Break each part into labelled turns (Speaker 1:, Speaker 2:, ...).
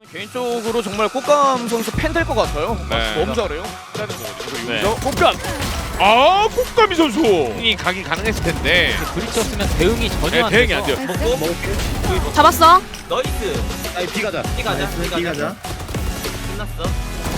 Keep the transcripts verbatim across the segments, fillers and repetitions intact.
Speaker 1: 개인적으로 정말 꽃감 선수 팬 될 것 같아요.
Speaker 2: 네.
Speaker 1: 너무 잘해요.
Speaker 2: 라는 거거든요.
Speaker 1: 네.
Speaker 2: 여기서
Speaker 1: 꽃감.
Speaker 2: 아, 꽃가미 선수 이 각이 가능했을 텐데
Speaker 3: 브리쳤으면 대응이 전혀
Speaker 2: 네,
Speaker 3: 안
Speaker 2: 대응이
Speaker 3: 돼서.
Speaker 2: 안 돼요.
Speaker 4: 먹고
Speaker 5: 잡았어.
Speaker 4: 너이스.
Speaker 6: 아니 B 가자.
Speaker 4: B 가자.
Speaker 6: 나이스,
Speaker 4: B
Speaker 6: B
Speaker 4: 가자.
Speaker 6: 가자.
Speaker 4: 끝났어.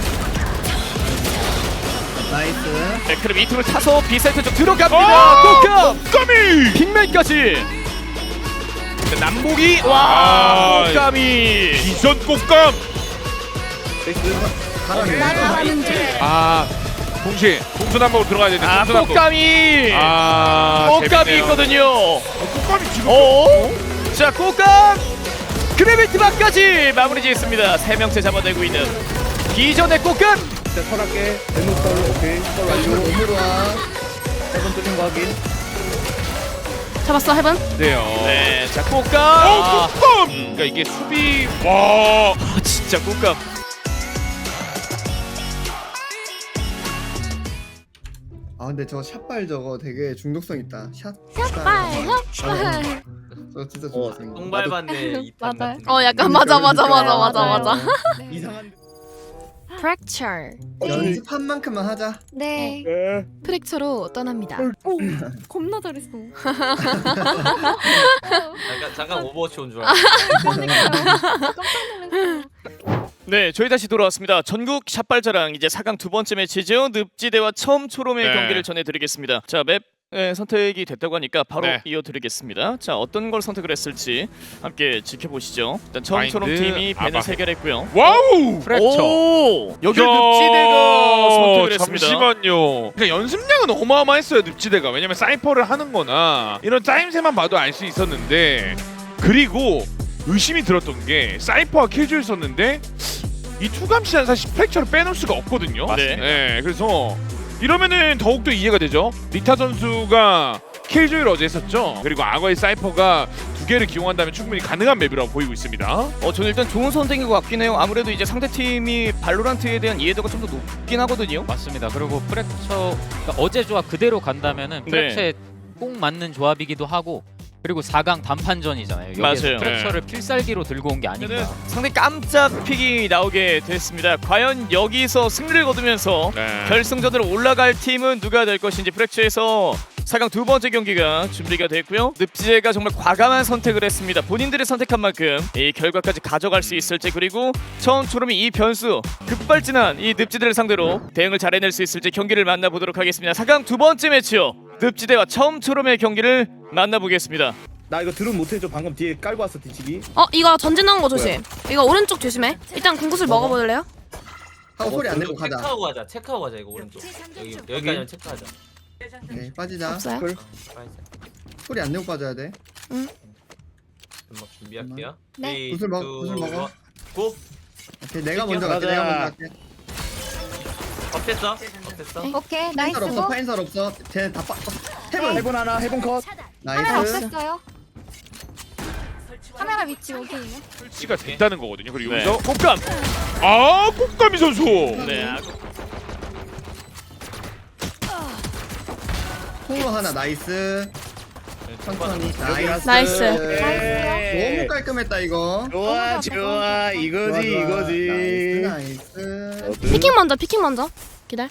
Speaker 6: 나이스.
Speaker 1: 네, 그럼 이 팀을 타서 B세트 쪽 들어갑니다.
Speaker 2: 아,
Speaker 1: 꽃감.
Speaker 2: 꽃가미.
Speaker 1: 빅맨까지. 네, 남복이
Speaker 2: 아,
Speaker 1: 와 꽃감이.
Speaker 2: 비전 꽃감.
Speaker 6: 가라는
Speaker 2: 아, 동시에 동서남북으로 들어가야 되는데.
Speaker 1: 아
Speaker 2: 동서남북.
Speaker 1: 꽃감이.
Speaker 2: 아,
Speaker 1: 꽃감이
Speaker 2: 재밌네요.
Speaker 1: 있거든요.
Speaker 2: 어, 꽃감이 지금.
Speaker 1: 어? 자 꽃감. 그래비티 막까지 마무리 짓습니다. 세 명째 잡아내고 있는 기존의 꽃감.
Speaker 6: 자, 설할게. 대놓 썰로 오케이. 썰 완료. 몸으로 와. 세번 뚫린 거 확인.
Speaker 5: 잡았어 해븐.
Speaker 2: 네요.
Speaker 1: 네, 자
Speaker 2: 어,
Speaker 1: 꽃감.
Speaker 2: 꽃감. 그러니까 이게 수비. 와.
Speaker 1: 아, 진짜 꽃감.
Speaker 7: 아 근데 저 샷발 저거 되게 중독성 있다. 샷.
Speaker 5: 샷발 샷발.
Speaker 7: 저 진짜
Speaker 6: 어,
Speaker 7: 중독성. 있다.
Speaker 4: 똥 밟았네. 이탄
Speaker 5: 맞아.
Speaker 4: 같은
Speaker 5: 어 약간 맞아 맞아 맞아 맞아
Speaker 7: 맞아요.
Speaker 5: 맞아.
Speaker 7: 이상한.
Speaker 5: 프랙처.
Speaker 7: 연습한 만큼만 하자.
Speaker 5: 네. 프랙처로 떠납니다. 오 겁나 잘했어.
Speaker 4: 잠깐 잠깐 오버워치 온 줄 알았어.
Speaker 1: 네, 저희 다시 돌아왔습니다. 전국 샷발자랑 이제 사 강 두 번째 매치죠. 늪지대와 처음 초롬의
Speaker 2: 네.
Speaker 1: 경기를 전해드리겠습니다. 자, 맵 네, 선택이 됐다고 하니까 바로
Speaker 2: 네.
Speaker 1: 이어드리겠습니다. 자, 어떤 걸 선택을 했을지 함께 지켜보시죠. 일단 처음
Speaker 2: 마인드,
Speaker 1: 초롬 팀이 밴을
Speaker 2: 아바.
Speaker 1: 해결했고요.
Speaker 2: 와우.
Speaker 3: 프랙처.
Speaker 1: 오, 여기
Speaker 2: 야,
Speaker 1: 늪지대가 선택을 했습니다.
Speaker 2: 잠시만요. 그러니까 연습량은 어마어마했어요, 늪지대가. 왜냐면 사이퍼를 하는거나 이런 짜임새만 봐도 알 수 있었는데, 그리고 의심이 들었던 게 사이퍼와 킬조이 썼는데 이 투감시는 사실 프랙처를 빼놓을 수가 없거든요.
Speaker 1: 맞습니다.
Speaker 2: 네, 그래서 이러면은 더욱더 이해가 되죠. 리타 선수가 킬조이를 어제 했었죠. 그리고 악어의 사이퍼가 두 개를 기용한다면 충분히 가능한 맵이라고 보이고 있습니다.
Speaker 1: 어, 저는 일단 좋은 선택인 것 같긴 해요. 아무래도 이제 상대 팀이 발로란트에 대한 이해도가 좀 더 높긴 하거든요.
Speaker 3: 맞습니다. 그리고 프랙처 그러니까 어제 조합 그대로 간다면은
Speaker 1: 네.
Speaker 3: 프랙처에 꼭 맞는 조합이기도 하고, 그리고 사 강 단판전이잖아요. 여기서
Speaker 1: 맞아요.
Speaker 3: 프랙처를 필살기로 들고 온 게 아닌가.
Speaker 1: 상당히 깜짝 픽이 나오게 됐습니다. 과연 여기서 승리를 거두면서
Speaker 2: 네.
Speaker 1: 결승전으로 올라갈 팀은 누가 될 것인지 프랙처에서 사 강 두 번째 경기가 준비가 됐고요. 늪지대가 정말 과감한 선택을 했습니다. 본인들이 선택한 만큼 이 결과까지 가져갈 수 있을지, 그리고 처음 초롬이 이 변수 급발진한 이 늪지대를 상대로 대응을 잘 해낼 수 있을지 경기를 만나보도록 하겠습니다. 사 강 두 번째 매치요. 늪지대와 처음 초롬의 경기를 만나보겠습니다.
Speaker 6: 나 이거 드론 못해줘. 방금 뒤에 깔고 왔어 뒤치기.
Speaker 5: 어 이거 전진 나온 거 조심. 이거 오른쪽 조심해. 일단 군구슬 먹어볼래요?
Speaker 7: 하고 소리 안 내고 가자.
Speaker 4: 체크하고 가자. 체크하고 가자 이거 오른쪽. 여기 여기까지만 체크하자.
Speaker 7: 오케이 빠지자.
Speaker 5: 없어요?
Speaker 7: 쿨.
Speaker 4: 빨리
Speaker 7: 소리 안 내고 빠져야 돼.
Speaker 4: 음악 준비할게요.
Speaker 5: 네.
Speaker 7: 구슬 먹- 구슬 먹어.
Speaker 4: 고.
Speaker 7: 오케이 내가
Speaker 4: 땡겨.
Speaker 7: 먼저 갈게. 내가 먼저 갈게.
Speaker 4: 업됐어? 업됐어?
Speaker 5: 네.
Speaker 8: 오케이 나이스
Speaker 7: 파인설 없어.
Speaker 8: 고
Speaker 7: 파인설 없어. 쟤다 빠. 해본.
Speaker 6: 해본 하나. 해본 컷.
Speaker 8: 카메라
Speaker 7: 나이스.
Speaker 8: 없앴어요 카메라 위치 여기에요
Speaker 2: 설치가 됐다는 거거든요. 그리고
Speaker 1: 네.
Speaker 2: 여기서
Speaker 1: 꽃감.
Speaker 2: 아, 꽃가미 선수.
Speaker 1: 네. 아,
Speaker 7: 통로 하나 나이스. 천천히. 나이스.
Speaker 5: 나이스.
Speaker 7: 너무 깔끔했다 이거.
Speaker 6: 좋아 좋아. 이거지
Speaker 7: 좋아, 좋아.
Speaker 6: 이거지.
Speaker 7: 나이스. 나이스.
Speaker 5: 피킹 먼저 피킹 먼저. 기다려.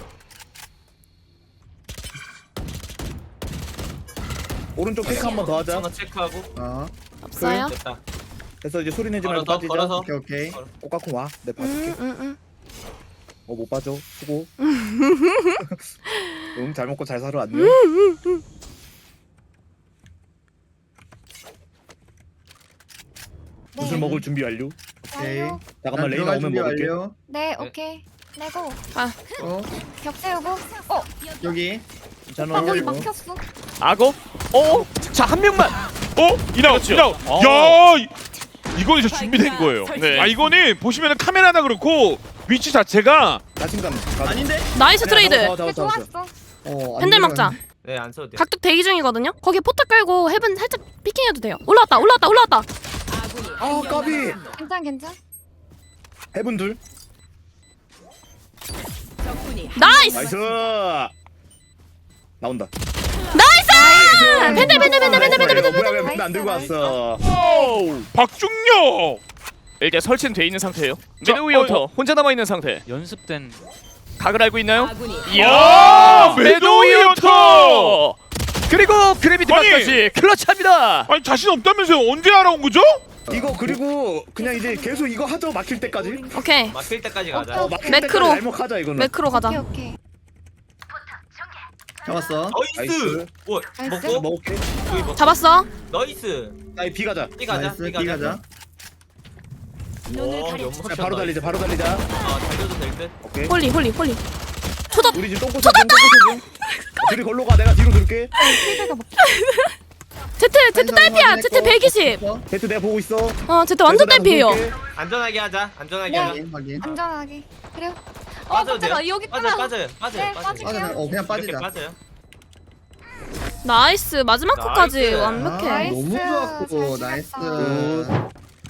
Speaker 6: 오른쪽 체크 한 번 더 하자.
Speaker 4: 하나 체크하고.
Speaker 7: 어.
Speaker 5: 없어요?
Speaker 4: 됐다.
Speaker 6: 그래서 이제 소리 내지 말고
Speaker 4: 걸어서
Speaker 6: 빠지자.
Speaker 4: 걸어서.
Speaker 7: 오케이 오케이.
Speaker 6: 꽃가콩 와. 내 봐줄게.
Speaker 5: 응응응.
Speaker 6: 어 못 빠져. 수고. 응, 잘 먹고 잘 살아 안녕. 구슬 먹을 준비 완료.
Speaker 7: 오케이.
Speaker 6: 잠깐만
Speaker 7: 난
Speaker 6: 레이나
Speaker 7: 들어갈
Speaker 6: 오면
Speaker 7: 준비
Speaker 6: 먹을게.
Speaker 7: 완료.
Speaker 8: 네 오케이 내고
Speaker 7: 어
Speaker 8: 벽 세우고 어
Speaker 7: 여기.
Speaker 6: 괜찮아.
Speaker 8: 방금
Speaker 7: 열고.
Speaker 8: 막혔어
Speaker 1: 악어? 어? 자, 한 명만.
Speaker 2: 어? 이나우,
Speaker 1: 그렇죠.
Speaker 2: 이나우.
Speaker 1: 어.
Speaker 2: 야, 이- 이거는 이제 준비된 거예요.
Speaker 1: 네.
Speaker 2: 아, 이거는 보시면은 카메라나 그렇고 위치 자체가
Speaker 6: 자신감.
Speaker 7: 아닌데?
Speaker 5: 나이스 트레이드.
Speaker 6: 잡아, 잡아,
Speaker 8: 네,
Speaker 6: 잡아, 잡아.
Speaker 8: 좋았어
Speaker 7: 어. 안
Speaker 5: 팬들 막자.
Speaker 7: 들어가네.
Speaker 4: 네, 안 써도 돼.
Speaker 5: 각격 대기 중이거든요. 거기 포탑 깔고 헤븐 살짝 피킹해도 돼요. 올라왔다 올라왔다 올라왔다.
Speaker 6: 아 까비.
Speaker 8: 괜찮 괜찮
Speaker 6: 해본 둘.
Speaker 5: 나이스.
Speaker 6: 나이스. 나온다.
Speaker 5: 나이스. 팬들 팬들 팬들 팬들 팬들 팬들.
Speaker 6: 뭐야 왜 팬들 안 들고 왔어?
Speaker 2: 오, 박중혁.
Speaker 1: 일단 설치는 돼 있는 상태예요.
Speaker 2: 자,
Speaker 1: 매드 위어터
Speaker 2: 어, 어.
Speaker 1: 혼자 남아 있는 상태.
Speaker 3: 연습된
Speaker 1: 각을 알고 있나요?
Speaker 2: 아,
Speaker 1: 이야,
Speaker 2: 매드
Speaker 1: 매드 위어터. 그리고 그래비티
Speaker 2: 아니.
Speaker 1: 박까지 클러치합니다.
Speaker 2: 아니 자신 없다면서요? 언제 알아온 거죠?
Speaker 6: 이거 그리고 그냥 이제 계속 이거 하죠 막힐 때까지.
Speaker 5: 오케이.
Speaker 4: 막힐 때까지 가자.
Speaker 6: 어 막힐
Speaker 5: 매크로.
Speaker 6: 때까지 날먹하자 이거는.
Speaker 5: 매크로
Speaker 8: 오케이
Speaker 5: 가자.
Speaker 8: 오케이.
Speaker 7: 잡았어.
Speaker 4: 나이스.
Speaker 6: 나이스.
Speaker 4: 뭐
Speaker 8: 나이스.
Speaker 4: 먹고?
Speaker 6: 먹을게.
Speaker 4: 여기 먹고.
Speaker 5: 잡았어.
Speaker 4: 나이스.
Speaker 6: 아이 B 가자.
Speaker 4: B 가자.
Speaker 7: 나이스.
Speaker 4: B
Speaker 7: B
Speaker 4: 가자.
Speaker 7: 가자.
Speaker 4: 와, 연막
Speaker 6: 자,
Speaker 4: 샷
Speaker 6: 바로
Speaker 4: 나이스.
Speaker 6: 달리자. 바로 달리자.
Speaker 4: 아, 달려도 될 듯.
Speaker 6: 오케이.
Speaker 5: 홀리 홀리 홀리. 초밥.
Speaker 6: 우리 지금 똥꼬 좀 똥꼬 좀. 둘이 걸로 가. 내가 뒤로 dur게.
Speaker 8: 필드가 막.
Speaker 5: 제트 제트 딸피야. 제트 백이십.
Speaker 6: 데트 내가 보고 있어.
Speaker 5: 어 제트 완전 딸피예요.
Speaker 4: 안전하게 하자. 안전하게
Speaker 8: 네.
Speaker 4: 하자.
Speaker 7: 확인 확인.
Speaker 8: 안전하게. 그래요. 어
Speaker 4: 빠져도
Speaker 8: 깜짝아
Speaker 4: 돼요?
Speaker 8: 여기
Speaker 4: 빠져,
Speaker 8: 있구나.
Speaker 4: 빠져요. 빠져요.
Speaker 8: 네,
Speaker 4: 빠져요.
Speaker 8: 빠질게요.
Speaker 7: 빠져. 어 그냥
Speaker 4: 이렇게
Speaker 7: 빠지자.
Speaker 4: 빠져요.
Speaker 5: 나이스. 마지막
Speaker 4: 나이스.
Speaker 5: 컷까지
Speaker 7: 아,
Speaker 5: 완벽해.
Speaker 8: 나이스.
Speaker 7: 너무 좋았고
Speaker 8: 잘
Speaker 7: 나이스.
Speaker 8: 찍었다.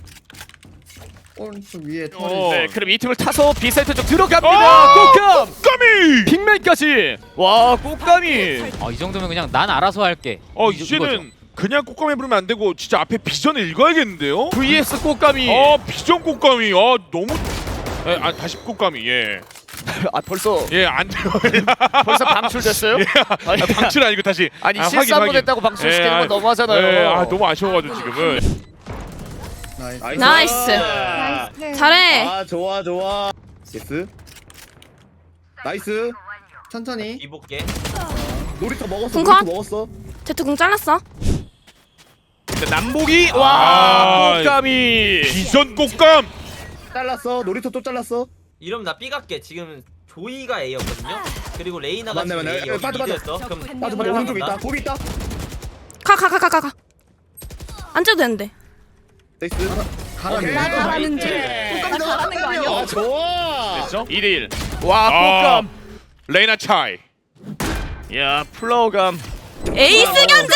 Speaker 7: 오른쪽 위에
Speaker 2: 어.
Speaker 7: 털이.
Speaker 1: 네, 그럼 이 팀을 타서 B 사이트 쪽 들어갑니다.
Speaker 2: 어!
Speaker 1: 꽃감.
Speaker 2: 까미!
Speaker 1: 빅맨까지. 와, 꽃감이.
Speaker 3: 아, 이 정도면 그냥 난 알아서 할게.
Speaker 2: 어
Speaker 3: 이-
Speaker 2: 이제는
Speaker 3: 이거죠.
Speaker 2: 그냥 꽃감이 부르면 안 되고 진짜 앞에 비전을 읽어야겠는데요?
Speaker 1: 브이에스 꽃감이.
Speaker 2: 아 비전 꽃감이 아 너무 에, 아 다시 꽃감이 예예
Speaker 1: 아, 벌써
Speaker 2: 안 돼요.
Speaker 1: 벌써 방출됐어요?
Speaker 2: 아, 방출 아니고 다시
Speaker 1: 아니
Speaker 2: 아,
Speaker 1: 실수
Speaker 2: 확인,
Speaker 1: 한번
Speaker 2: 확인.
Speaker 1: 했다고 방출시키는
Speaker 2: 예,
Speaker 1: 건
Speaker 2: 아,
Speaker 1: 너무하잖아요.
Speaker 2: 예, 아 너무 아쉬워가지고 지금은
Speaker 7: 나이스.
Speaker 5: 나이스.
Speaker 8: 나이스.
Speaker 5: 잘해.
Speaker 6: 아 좋아 좋아. 예스. 나이스.
Speaker 7: 천천히.
Speaker 4: 이 볼게.
Speaker 6: 놀이터 먹었어.
Speaker 5: 궁컨?
Speaker 6: 놀이터 먹었어.
Speaker 5: 제트 공 잘랐어.
Speaker 1: 남복이
Speaker 2: 아,
Speaker 1: 와 꽃감이.
Speaker 2: 비전 꽃감
Speaker 6: 잘랐어. 놀이터 또 잘랐어.
Speaker 4: 이러면 나 B 갈게. 지금 조이가 A였거든요. 그리고 레이나가
Speaker 6: 맞네,
Speaker 4: 지금
Speaker 6: 맞네.
Speaker 4: A 여기
Speaker 6: 빠져, 빠져.
Speaker 4: 미드였어. 그럼
Speaker 6: 맞아 맞아 오른쪽에 있다. 고비 있다.
Speaker 5: 가 가 가 가 가 가. 안 째도 되는데.
Speaker 6: 나이스.
Speaker 7: 가라네.
Speaker 8: 나 잘하는 줄.
Speaker 6: 아
Speaker 8: 나 잘하는 거 아니야?
Speaker 6: 좋아.
Speaker 2: 됐죠?
Speaker 1: 이 대 일. 와
Speaker 2: 아.
Speaker 1: 꽃감.
Speaker 2: 레이나 차이
Speaker 1: 야 플라워감.
Speaker 5: 에이스 견제.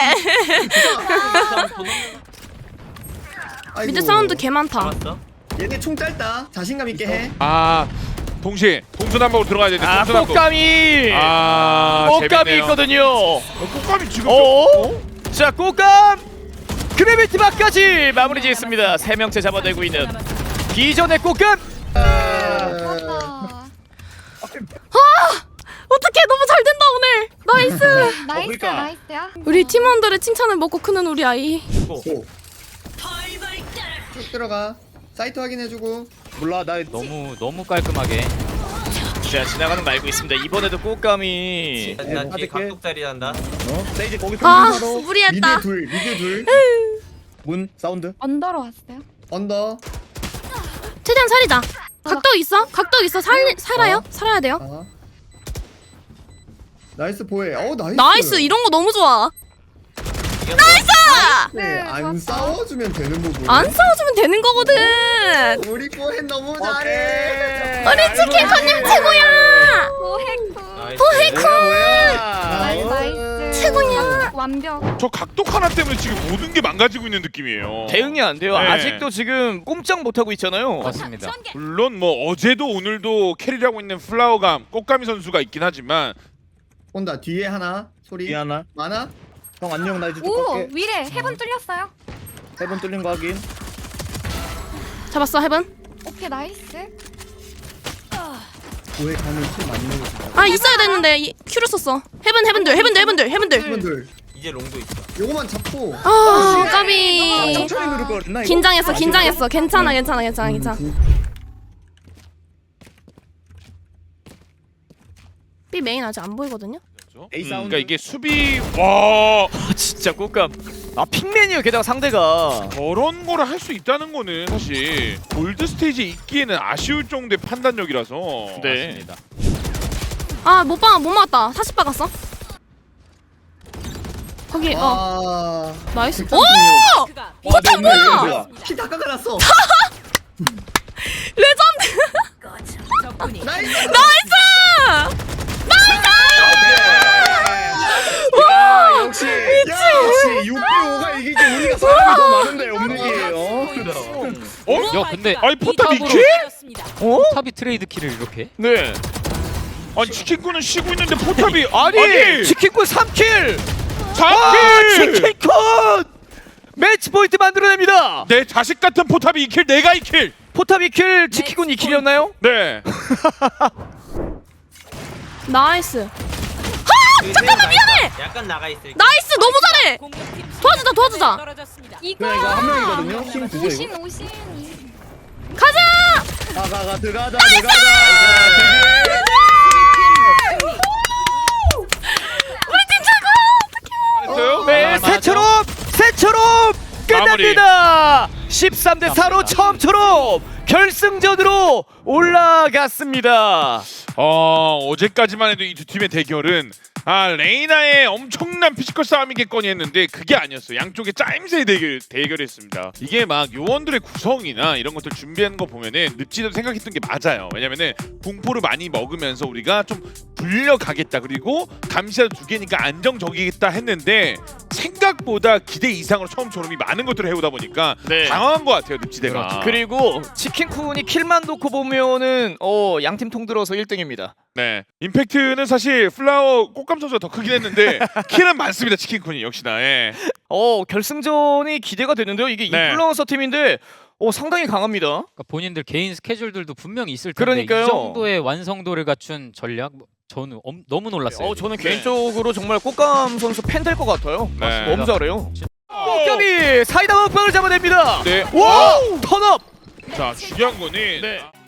Speaker 7: 아이고.
Speaker 5: 미드 사운드 개 많다.
Speaker 4: 잡았어.
Speaker 7: 얘네 총 짧다. 자신감 있게 해.
Speaker 2: 아 동시에 동서남북으로 들어가야 되는데
Speaker 1: 아
Speaker 2: 동서남북
Speaker 1: 꽃감이.
Speaker 2: 아
Speaker 1: 꽃감이
Speaker 2: 재밌네요.
Speaker 1: 있거든요.
Speaker 2: 어, 꽃감이 지금
Speaker 1: 어? 자 꽃감. 그래비티 박까지 마무리 지었습니다. 세 명째 잡아내고 있는 기존의 꽃감.
Speaker 8: 좋았다.
Speaker 5: 어떡해 너무 잘 된다 오늘. 나이스.
Speaker 8: 나이스
Speaker 6: 그러니까.
Speaker 8: 나이스야.
Speaker 5: 우리 팀원들의 칭찬을 먹고 크는 우리 아이.
Speaker 7: 고. 쭉 들어가. 사이트 확인해주고.
Speaker 6: 몰라 나
Speaker 3: 너무 너무 깔끔하게.
Speaker 1: 자 지나가는 거 알고 있습니다. 이번에도 꽃감이.
Speaker 4: 나 뒤에
Speaker 6: 받을게.
Speaker 4: 각독자리 한다.
Speaker 6: 어? 세이지 거기
Speaker 5: 아
Speaker 6: 평균사로
Speaker 5: 무리했다.
Speaker 7: 미드 둘. 미드 둘.
Speaker 6: 문 사운드.
Speaker 8: 언더로 왔어요.
Speaker 7: 언더.
Speaker 5: 최대한 살리자. 각도 있어? 각도 있어. 살 살아요? 살아야 돼요.
Speaker 7: 아. 나이스 보혜. 어 나이스.
Speaker 5: 나이스 이런 거 너무 좋아.
Speaker 7: 네, 안 싸워주면 되는 부분.
Speaker 5: 안 싸워주면 되는 거거든.
Speaker 7: 우리 보혜 너무 잘해.
Speaker 5: 우리 치킨커님 최고야.
Speaker 8: 오해쿠.
Speaker 4: 나이스.
Speaker 8: 나이스 나이스.
Speaker 5: 최고야.
Speaker 8: 완벽.
Speaker 2: 저 각독 하나 때문에 지금 모든 게 망가지고 있는 느낌이에요.
Speaker 1: 대응이 안 돼요.
Speaker 2: 네.
Speaker 1: 아직도 지금 꼼짝 못 하고 있잖아요.
Speaker 3: 맞습니다.
Speaker 2: 물론 뭐 어제도 오늘도 캐리를 하고 있는 플라워감 꽃가미 선수가 있긴 하지만
Speaker 7: 온다. 뒤에 하나. 소리.
Speaker 6: 미안하.
Speaker 7: 많아?
Speaker 6: 형 안녕 나 이제 쭉
Speaker 8: 오
Speaker 6: 갈게.
Speaker 8: 위래 해본 뚫렸어요.
Speaker 6: 세번 뚫린 거 확인.
Speaker 5: 잡았어 헤븐.
Speaker 8: 오케이 나이스.
Speaker 7: 보혜 가면 킬 많이 먹었어.
Speaker 5: 아 있어야 되는데 이- 큐를 썼어. 헤븐 헤븐들 헤븐들 헤븐들 헤븐들.
Speaker 7: 분들
Speaker 4: 이제 롱도 있어.
Speaker 7: 요거만 잡고.
Speaker 5: 아
Speaker 6: 아,
Speaker 5: 까비.
Speaker 6: 천천히 누를 걸 그랬나 이거?
Speaker 5: 긴장했어 긴장했어. 괜찮아 괜찮아 괜찮아 괜찮아. B 메인 아직 안 보이거든요.
Speaker 6: A
Speaker 2: 음,
Speaker 6: 사운드.
Speaker 2: 그러니까 이게 수비 와
Speaker 1: 아, 진짜 꽃감. 아 핑맨이요. 게다가 상대가.
Speaker 2: 저런 거를 할 수 있다는 거는 사실 골드 스테이지에 있기에는 아쉬울 정도의 판단력이라서
Speaker 1: 네.
Speaker 3: 맞습니다.
Speaker 5: 아못 봐 못 맞았다. 사십 박았어. 거기 어
Speaker 7: 아.
Speaker 5: 나이스.
Speaker 7: 백삼십육.
Speaker 5: 오
Speaker 6: 포탑 뭐야?
Speaker 7: 피다 깎아놨어.
Speaker 5: 레전드.
Speaker 7: 나이스.
Speaker 5: 나이스.
Speaker 6: 야 역시 역시 육 대 오가 이기지 우리가 사람이 더 많은데 없는 게요.
Speaker 2: 어?
Speaker 3: 야 근데
Speaker 2: 아니 포탑
Speaker 3: 탑으로
Speaker 2: 이킬?
Speaker 1: 어?
Speaker 3: 탑이 트레이드 키를 이렇게?
Speaker 1: 네.
Speaker 2: 아니 치킨꾼은 쉬고 있는데 포탑이
Speaker 1: 아니,
Speaker 2: 아니
Speaker 1: 치킨꾼 삼 킬.
Speaker 2: 사
Speaker 1: 아,
Speaker 2: 킬!
Speaker 1: 치킨꾼. 매치 포인트 만들어냅니다.
Speaker 2: 내 자식 같은 포탑이 이 킬, 내가 이 킬.
Speaker 1: 포탑 이 킬, 치키군 이 킬이었나요?
Speaker 2: 네.
Speaker 5: 나이스.
Speaker 4: 잠깐만 미안해. 약간 나가 있을.
Speaker 5: 나이스 너무 잘해. 도와주자 도와주자.
Speaker 8: 이거
Speaker 6: 그냥 이거 한 명이거든요. 힘 드세요
Speaker 8: 오신
Speaker 6: 이거.
Speaker 8: 오신.
Speaker 5: 가자.
Speaker 6: 가가가 들어가자 들어가자.
Speaker 2: 했어요?
Speaker 1: 네,
Speaker 3: 맞아.
Speaker 1: 새처럼 새처럼 끝납니다. 십삼 대 사로 처음처럼 결승전으로 올라갔습니다.
Speaker 2: 어, 어제까지만 해도 이 두 팀의 대결은 아 레이나의 엄청난 피지컬 싸움이겠거니 했는데 그게 아니었어요. 양쪽의 짜임새의 대결, 대결이었습니다. 이게 막 요원들의 구성이나 이런 것들 준비하는 거 보면은 늪지도 생각했던 게 맞아요. 왜냐면은 공포를 많이 먹으면서 우리가 좀 불려가겠다, 그리고 감시자도 두 개니까 안정적이겠다 했는데 생각보다 기대 이상으로 처음 졸음이 많은 것들을 해오다 보니까
Speaker 1: 네.
Speaker 2: 당황한 것 같아요, 늪지대가.
Speaker 1: 그리고 치킨쿤이 킬만 놓고 보면은 어 양팀 통들어서 일 등입니다.
Speaker 2: 네, 임팩트는 사실 플라워 꽃감 선수가 더 크긴 했는데 킬은 많습니다, 치킨쿤이 역시나. 예.
Speaker 1: 어 결승전이 기대가 되는데요. 이게
Speaker 2: 네.
Speaker 1: 인플루언서 팀인데 어 상당히 강합니다.
Speaker 3: 그러니까 본인들 개인 스케줄들도 분명히 있을 텐데
Speaker 1: 그러니까요.
Speaker 3: 이 정도의 완성도를 갖춘 전략 뭐, 저는 엄, 너무 놀랐어요.
Speaker 1: 어 저는
Speaker 2: 네.
Speaker 1: 개인적으로 정말 꽃감 선수 팬 될 것 같아요.
Speaker 2: 네.
Speaker 1: 너무 잘해요. 꽃감이 사이다 먹방을 잡아냅니다.
Speaker 2: 네.
Speaker 1: 와 턴업.
Speaker 2: 자, 중요한 거는
Speaker 1: 네.